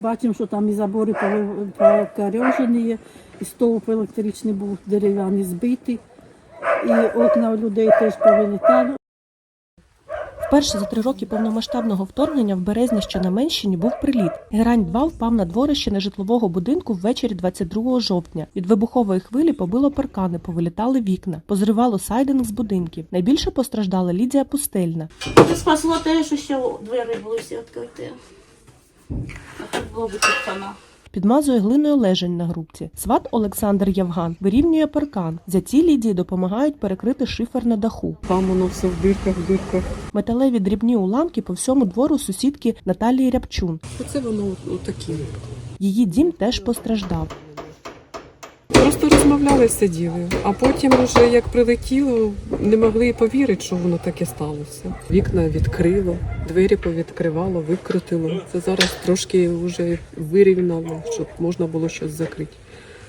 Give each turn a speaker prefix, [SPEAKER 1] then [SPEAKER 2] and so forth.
[SPEAKER 1] Бачимо, що там і забори покорежені, і стовп електричний був дерев'яний збитий, і окна у людей теж повилітали.
[SPEAKER 2] Вперше за 3 роки повномасштабного вторгнення в Березні, що на Менщині, був приліт. Герань-2 впав на дворище нежитлового будинку ввечері 22 жовтня. Від вибухової хвилі побило паркани, повилітали вікна, позривало сайдинг з будинків. Найбільше постраждала Лідія Пустельна.
[SPEAKER 3] Спасло те, що ще двері були всі відкриті. А так було б тишина.
[SPEAKER 2] Підмазує глиною лежень на грубці. Сват Олександр Євган вирівнює паркан. Зяті Лідії допомагають перекрити шифер на даху.
[SPEAKER 4] Там воно все в дирках.
[SPEAKER 2] Металеві дрібні уламки по всьому двору сусідки Наталії Рябчун.
[SPEAKER 4] Оце воно отакі.
[SPEAKER 2] Її дім теж постраждав.
[SPEAKER 4] Просто розмовляли, сиділи, а потім вже як прилетіло, не могли і повірити, що воно таке сталося. Вікна відкрило, двері повідкривало, викрутило. Це зараз трошки вже вирівняло, щоб можна було щось закрити.